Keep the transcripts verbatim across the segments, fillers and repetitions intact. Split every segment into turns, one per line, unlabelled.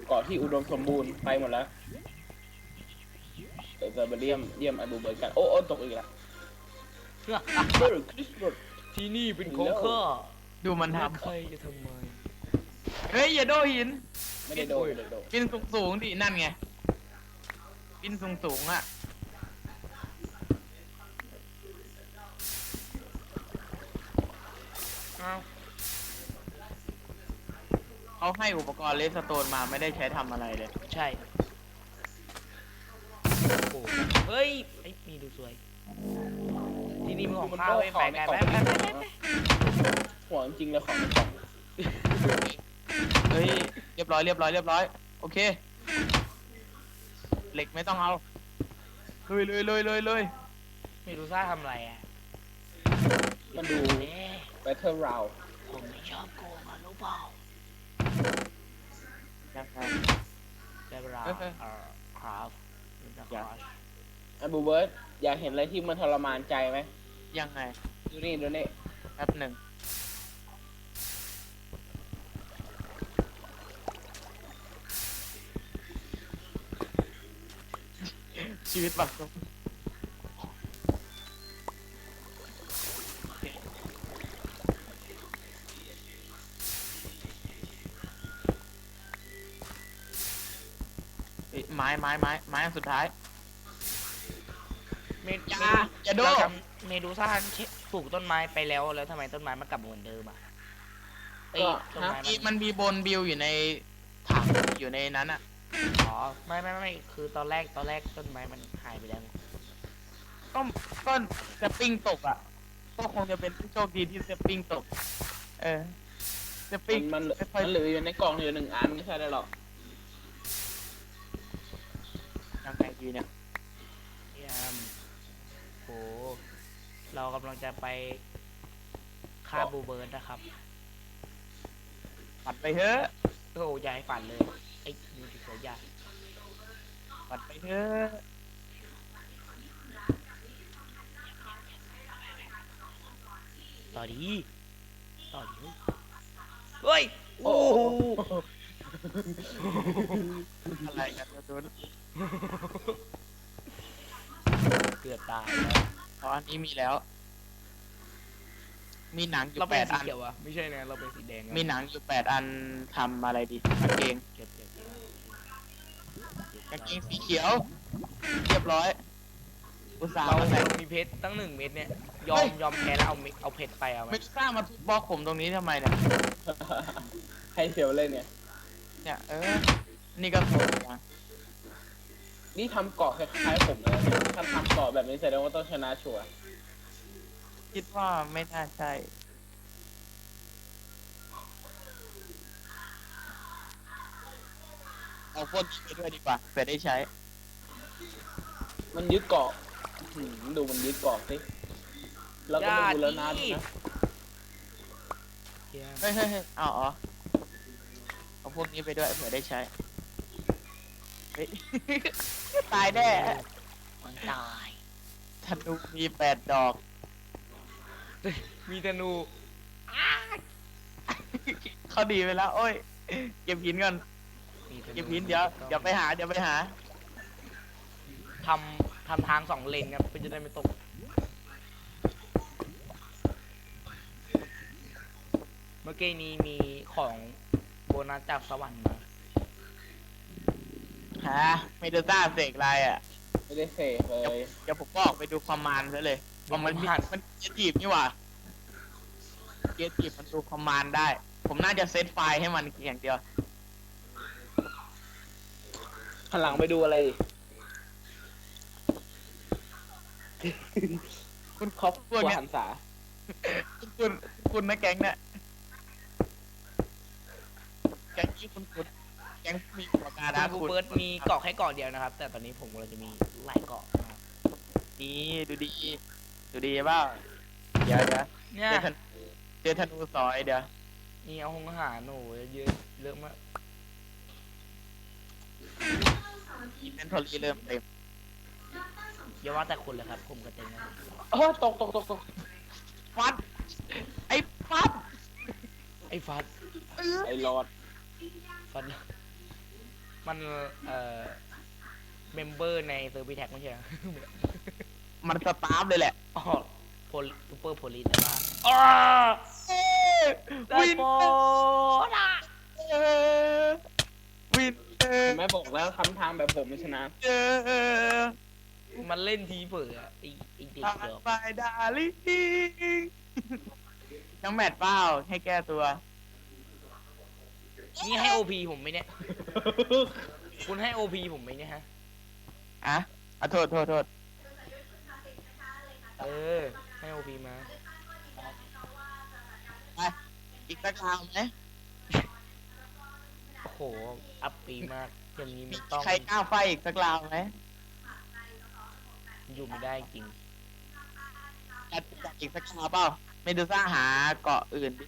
เกาะที่อุดมสมบูรณ์ไปหมดแล้วเดี๋ยวจะไปเยี่ยมเยี่ยมไอ้บูเบิร์ดกันโอ้โอ้ตกอีกแล้วเบิร์ดคริสเบิร์ด
ที่นี่เป็นของข้า
ดูมันท
ใครจะทำไม
ำเฮ้ยอย่าโดนหิน
ไม่ได้โดนไม่ได้โดน
บินสูงสูงๆดินั่นไงบินสูงสูงๆอ่ะ
อ้าว
เขาให้อุปกรณ์เลสโตนมาไม่ได้ใช้ทำอะไรเลย
ใช่โอ้เฮ้ยไอ้มีดูสวยที่นี่มึงของข้าไว้ไปกันไปไปไปไป
ห่วงจริงเลยของในกล่อง
เฮ้ยเรียบร้อยเรียบร้อยเรียบร้อยโอเคเหล็กไม่ต้องเอาเลยเลยเลยเลยเลย
ไม่รู้ซ่าทำอะไรอ่ะ
มันดู
เอ๊ะ
Battle Round
ผมไม่ชอบโกงอ่ะรู้เปล่า
ยังไง
ได้เวลา
เอ้ยเอ้ย
เอ่อครับมันจะค
อยาก
ราช
ไอ้บูเบิร์ดอยากเห็นอะไรที่มันทรมานใจไหม
ยังไง
ดูนี่ดูนี่
แป๊บหนึ่งชีวิตบักซุกเอ้ยไม้ไม้ไม้ไม้อันสุดท้าย
เมด
อย่า
เมดู
อย่าโด
เราจำเมดูซ่าปลูกต้นไม้ไปแล้วแล้วทำไมต้นไม้มันกลับมาเหมือนเดิมอ่ะเอ้ยต้นไม้
มี
มั
มัน นมีบนบิวอยู่ในถังอยู่ในนั้นอ่ะ
อ๋อไม่ไม่ไม่คือตอนแรกตอนแรกต้นไม้มันหายไปแล้วไง
ก็ก็สปริงตกอ่ะก็คงจะเป็นผู้โชคดีที่สปริงตก เออสปริง
มันมัน
ไม่ค่อย
มันเหลืออยู่ในกล่องอยู่หนึ่งอันไม่ใช่ได้หรอก
ยังไงดีเนี่ย
เยี่ยมโหเรากำลังจะไปฆ่าบูเบิร์ดนะครับ
ปัดไปเถอะ
โอ้ยายฝันเลยไอ้ดูดิเสียยา
ปัดไปเถอะ
ต่อดีต่อดีเฮ้ย
โอ้
โอ้
โห
โห
อะไรกันกระตุ้น
เกือบตายแล้ว
เพราะอันนี้มีแล้ว มีหนังอยู่
เรา
แป
เป็น
ด
สี
อัน
เขียวอะไม่ใช่นะเราเป็นสีแดงนะ
มีหนังอยู่แปดอันทำอะไรดีกางเกง
เก็บเก็บเก็บ
กางเกงสีเขียว เรียบร้อย อุตส่าห์
เรา
มาใส่
มีเพชรตั้งหนึ่งเม็ดเนี่ยยอ
เฮ้
ม
ย
ยอมแพ้แล้วเอาเม็ดเอาเพชรไปเอาไหม
ไม่กล้ามาทุบบล็อกผมตรงนี้ทำไมเนี่ย
ให้เซลเล่นเนี่ย
เนี่ยเออ นี่ก็โกงนะ
นี่ทำเกาะคล้ายๆผมเลยเนี่ยถ้าทำเกาะแบบนี้แสดงว่าต้องชนะชัวร์
คิดว่าไม่น่าใช่ เอาพวกนี้ไปด้วยดีกว่าเผื่อได้ใช้
มันยึดเกาะอื้อหือดูมันยึดเกาะสิแล้วก็ไม่ดูแล้วนะดูนะ
เยี่ยม
เฮ้ยเฮ้ยเฮ้ยเอาอ๋อเอาพวกนี้ไปด้วยเผื่อได้ใช้ เฮ้ย ตายแน่
มันตาย
ธนูมีแปดดอก
มีธนู
เขาดีไปแล้ว โอ้ย เก็บหินก่อน
มีธนู
เก็บหินเดี๋ยว เดี๋ยวไปหา เดี๋ยวไปหา
ทำทำทางสองเลนครับเพื่อจะได้ไม่ตกเมื่อกี้นี้มีของโบนัสจากสวรรค์มา
หาไม่ได้ซ่าเสกอะไรอ่ะ
ไม่ได้เสกเลย
เดี๋ยวผมบอกไปดูความมานซะเลยว่ามันมีมันเกียร์จีบนี่หว่า เกียร์จีบมันดูความมานได้ ผมน่าจะเซตไฟล์ให้มันอย่างเดียว
หันหลังไปดูอะไรดิ
คุณ
ครอบค
พ
รั
ว
ว
กเนี้ย
หันษา
คุณคุณนะแก๊งเนี่ยแก๊งที่คุณคุณแก๊งมีปากกาดา
บู
คุณ
เบิร์ดมีเกาะแค่เกาะเดียวนะครับ แต่ตอนนี้ผมกำลังจะมีหลายเกาะนะครับ
นี่ดูดี ดูดีเปล่าเดี๋ยวเดี๋ยว
เนี่ย
เจอธนเจอธนูซอยเดี๋ยว
นี่เอาหงอาหารโอ้โหเยอะเยอะมาก
อินเวนทอรี่เริ่มเต็ม
อย่าว่าแต่คุณเลยครับ ผมก็เต็มแล้ว
เออตกตกตกตก
ฟัด ไอ้ฟัด
ไอ้ฟัด
ไอ้รอด
ฟัดมันเอ่อเมมเบอร์ในเซอร์วิสแท็กไม่ใช่เหรอ
มันสตาร์ฟเลยแหละ
อ๋อโพลซูเปอร์โพลีแต่ว่าอ๋อได้
วิน
โปนะ
เออวินเออ
ผมไม่บอกแล้วทำทางแบบผมไม่ชนะ
เออ
มันเล่นทีเผลออะไอไอเด็ก
ตา
เดี๋ยว
บายดาลิงยังแมทเปล่าให้แก้ตัว
นี่ให้โอพีผมไหมเนี่ย คุณให้โอพีผมไหมเนี่ยฮะ
อ่ะอ่ะโทษโทษโทษ
เออ ให้โอพีมา
ไปอีกสักคราวไหม
โอ้โห อัพปีมาก อย่างนี้
มี
มันต้อง
ใครกล้าไฟอีกสักราวไหม
อยู่ไม่ได้จริง
จัดจัดอีกสักคราวเปล่าเมดูซ่าหาเกาะอื่นดิ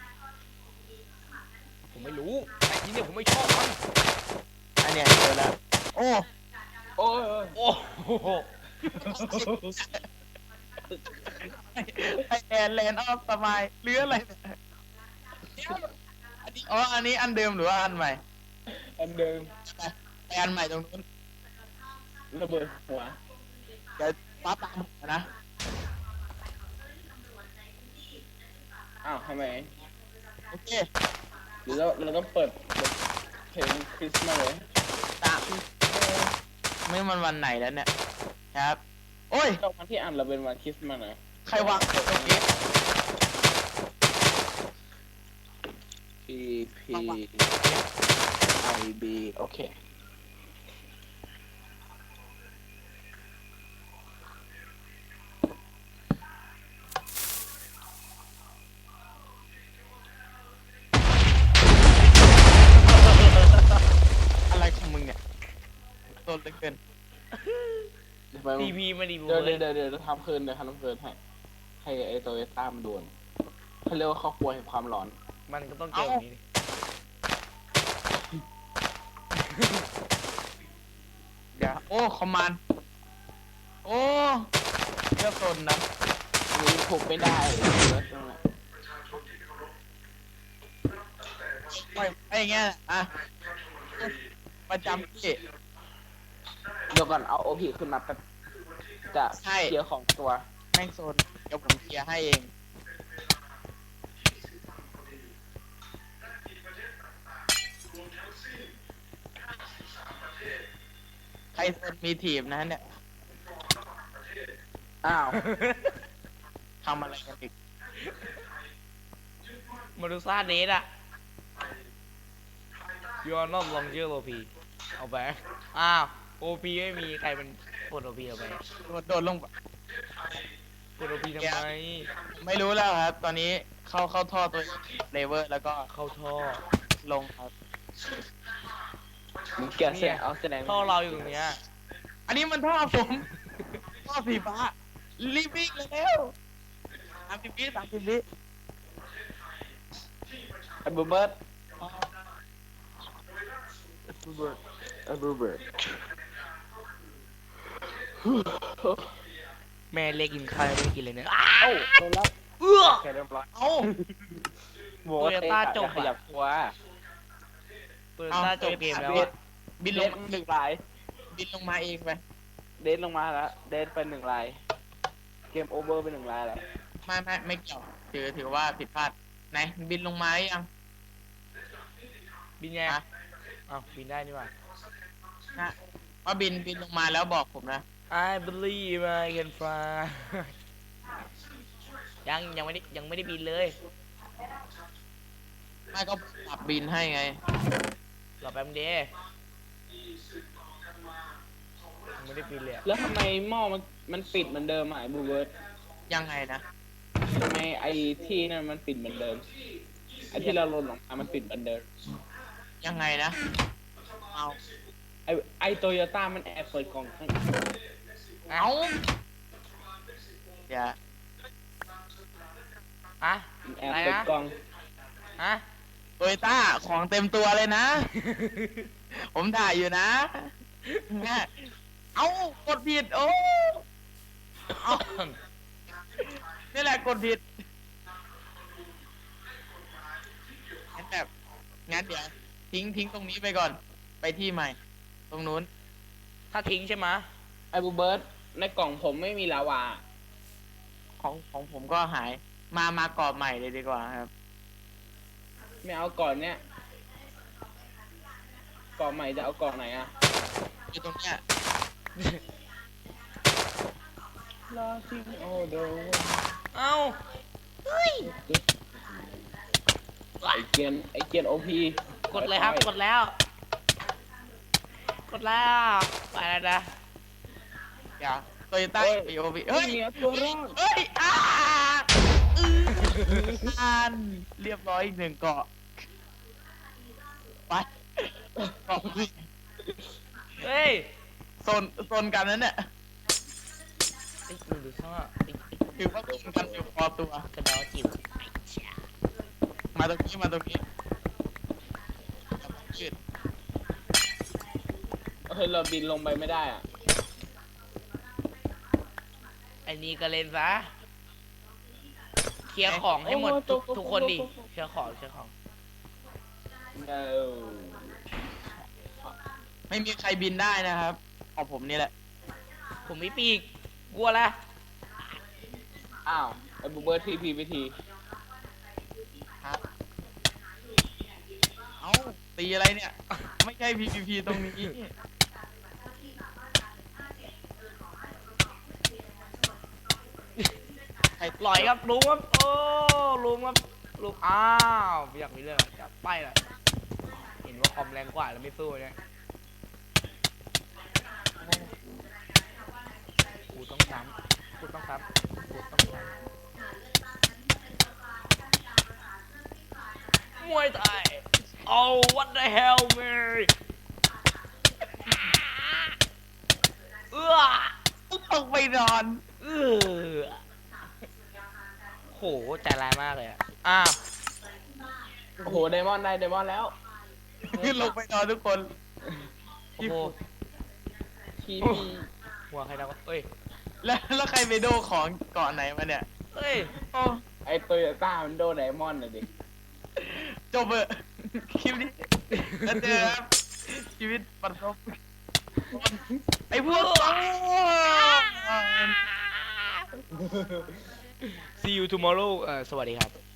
ผมไม่รู้ไอ้ที่เนี่ยผมไม่ชอบมัน
อันเนี้ยเจอแล้วโอ้
โอ้ยโอ้ย
โอ้โห
ไอแอนแลนด์ออฟสมายหรืออะไรเนี่ยอันนี้อ๋ออันนี้อันเดิมหรือว่าอันใหม่
อันเดิม
ไปไปอันใหม่ตรงนู้น
ระเบิดหัว
เดี๋ยวป้าตามผมนะ
อ้าวทำไม
โอเค
หรือเราเราต้องเปิดเพลงคริสต์มาสเลย
ตามไม่มันวันไหนแล้วเนี่ยครับ โอ้ย
ตอนวันที่อ่านเราเป็นวันคริสต์มาสนะ
ใครวางตรงนี้
P P I B โอเค
อะไรของมึงเนี่ยโดนเหลือเกิน
เดี๋ยวไป
ทีพีมาดีบู
เดี๋ยว
เล
เดี๋ยวย เดี๋ยวเดี๋ยวทำคืนเดี๋ยวทำคืนให้ให้ไอโตโยต้ามันโดนเขาเรียกว่าครอบครัวแห่งความร้อน
มันก็ต้องเจอแบบนี้ดิ
เดี๋ยวโอ้คอมมานด์โอ้เลือกโซนนะ
อันนี้ถูกไม่ได้เดี๋ยวนั่นแหละ
ไม่ไอ้เงี้ยอ่ะประจำที่
เดี๋ยวก่อนเอาโอพีขึ้นมาแป๊บจะ
ใช่
เคลียร์ของตัว
แม่งโซนเดี๋ยวผมเคลียร์ให้เองใครโซนมีทีมนะเนี่ย
อ้าว
ทำอะไรกันอีก
มาดูซ่าเดทอะ You are not longer โอพีเอาไป อ้าว โอพีไม่มีใครเป็นกดโอพีเอาไป
โดดโดดลงไป
กดโอพีทำไม
ไม่รู้แล้วครับ ตอนนี้เข้าเข้าท่อตัวเลเวอร์แล้วก็
เข้าท่อ
ลงครับ
มึงแกะเสร็จเอาแสดง
ท่อเราอยู่ตรงเนี้ย
อันนี้มันท่อผม ท่อสีฟ้ารีบวิ่งเร็วสามสิบวิสามสิบวิ
ไอ้บูเบิร์ตบูเบิร์ตไอ้บูเบิร์ต
แม่เล็กกินข้าวยังไม่ได้กินเลยเนี่ยอ้า
เอ้าโดนแล้ว
เอื้อ
แกเรียบร้อย
เอ้า
บอกว่าเตะ
Toyota จบ
อย่าข
อะ
ยับตัว
เปิดซ่าจบเกมแล้วอะ
บิน
เด
ล
น
ง
หนึ่งลาย
บินลงมาเองไป
เดนลงมาแล้ว เดนไปหนึ่งลาย เกมโอเวอร์ไปหนึ่งลายแล้ว
ไม่ไม่ไม่เกี่ยวถือถือว่าผิดพลาดไหนบินลงมาหรือยัง
บินไง
ฮะ
อ้าวบินได้นี่หว่า
นะว่าบินบินลงมาแล้วบอกผมนะ
I believe I can fly ยังยังไม่ได้ยังไม่ได้บินเลย
ไม่ก็ปรับบินให้ไง
รอแป๊บเดียวยังไม่ได้บินเลยอะ
แล้วทำไมหม้อมันมันปิดเหมือนเดิมอ่ะไอ้บูเบิร์ต
ยังไงนะ
ทำไมไอ้ที่นั่นมันปิดเหมือนเดิม ไอ้ที่เราลนลงมามันปิดเหมือนเดิม
ยังไงนะ เอา
ไอ้ไอ้โตโยต้ามันแอบเปิดกล่องข้าง
เอาเดี๋ยว
อะ
มันแอบ
อะไร
เปิด
นะ
กล่อง
ฮะ
โตโยต้าของเต็มตัวเลยนะ ผมถ่ายอยู่นะเนี่ยเอากดผิด โอ้เอานี่แหละกดผิดงั้นแบบงั้นเดี๋ยวทิ้งทิ้งตรงนี้ไปก่อนไปที่ใหม่ ตรงนู้น
ถ้าทิ้งใช่ไหมะ
ไอ้บูเบิร์ตในกล่องผมไม่มีลาวา
ของของผมก็หาย มามากรอบใหม่เลยดีกว่าครับ
ไม่เอาก่อนเนี้ยก่อนใหม่จะเอาก่อนไหนอะ
อยู่ตรงเนี้ย
ลาซิงโอโด
เอ้าเฮ้ย
ไอเกียนไอเกียนโอพี
กดเลยครับ กดแล้ว กดแล้วไปแล้วนะ
อย่าโตโยต้าปีโอพี
เฮ้
เฮ้
ย
ย
เหนือตัวรอด
เฮ้ยอ่าอืออ่านเรียบร้อยอีกหนึ่งเกาะ ไปเกาะพี่
เฮ้ย
โซนโซนกันนั้นเนี่ย
ไอ้ดูดูข้างนอกไอ้
ถือว่าโซนกันอยู่พอตัว
กระดอจิ๋วไอ้เจ้า
มาตรงนี้ มาตรงนี้ยืด
เฮ้ยเราบินลงไปไม่ได้อะ
ไอ้นี่ก็เล่นซะเคลียร์ของให้หมดทุกทุกคนดิเคลียร์ของเคลียร์ของ
เออ
ไม่มีใครบินได้นะครับของผมนี่แหละ
ผมมีปีกกลัวละ
อ้าวไอ้บูเบิร์ตทีพีไปที
ครับ เอ้า ตีอะไรเนี่ย ไม่ใช่ พี พี พี ตรงนี้ ใคร
ปล่อยครับลุงครับโอ้ลุงครับลุงอ้าวไม่อยากมีเรื่องอะจับไปละเห็นว่าคอมแรงกว่าแล้วไม่สู้เนี่ยกูต้องซ้ำกูต้องซ้ำกูต้องซ้ำมวยไทยโอ้ what the hell man เอื้อ
ต้องไปนอน
เอื้อโหใจร้ายมากเลยอะอ้าว
โอ้โหไดมอนด์ได้ไดมอนด์แล้ว
ขึ้นลงไปนอนทุกคน
โอ้โห
ทีพี
หัวใครนะวะเอ้ย
แล้วแล้วใครไปโดของเก่อนไหนมาเนี่ย
เอ้ย
โอ้
ไอโตโยต้ามันโดนไดมอนด์น่ะดิ
จบเบอะคลิปนี้แล้วเจอครับชีวิตประสบไอ้พวก
See you tomorrow เออสวัสดีครับ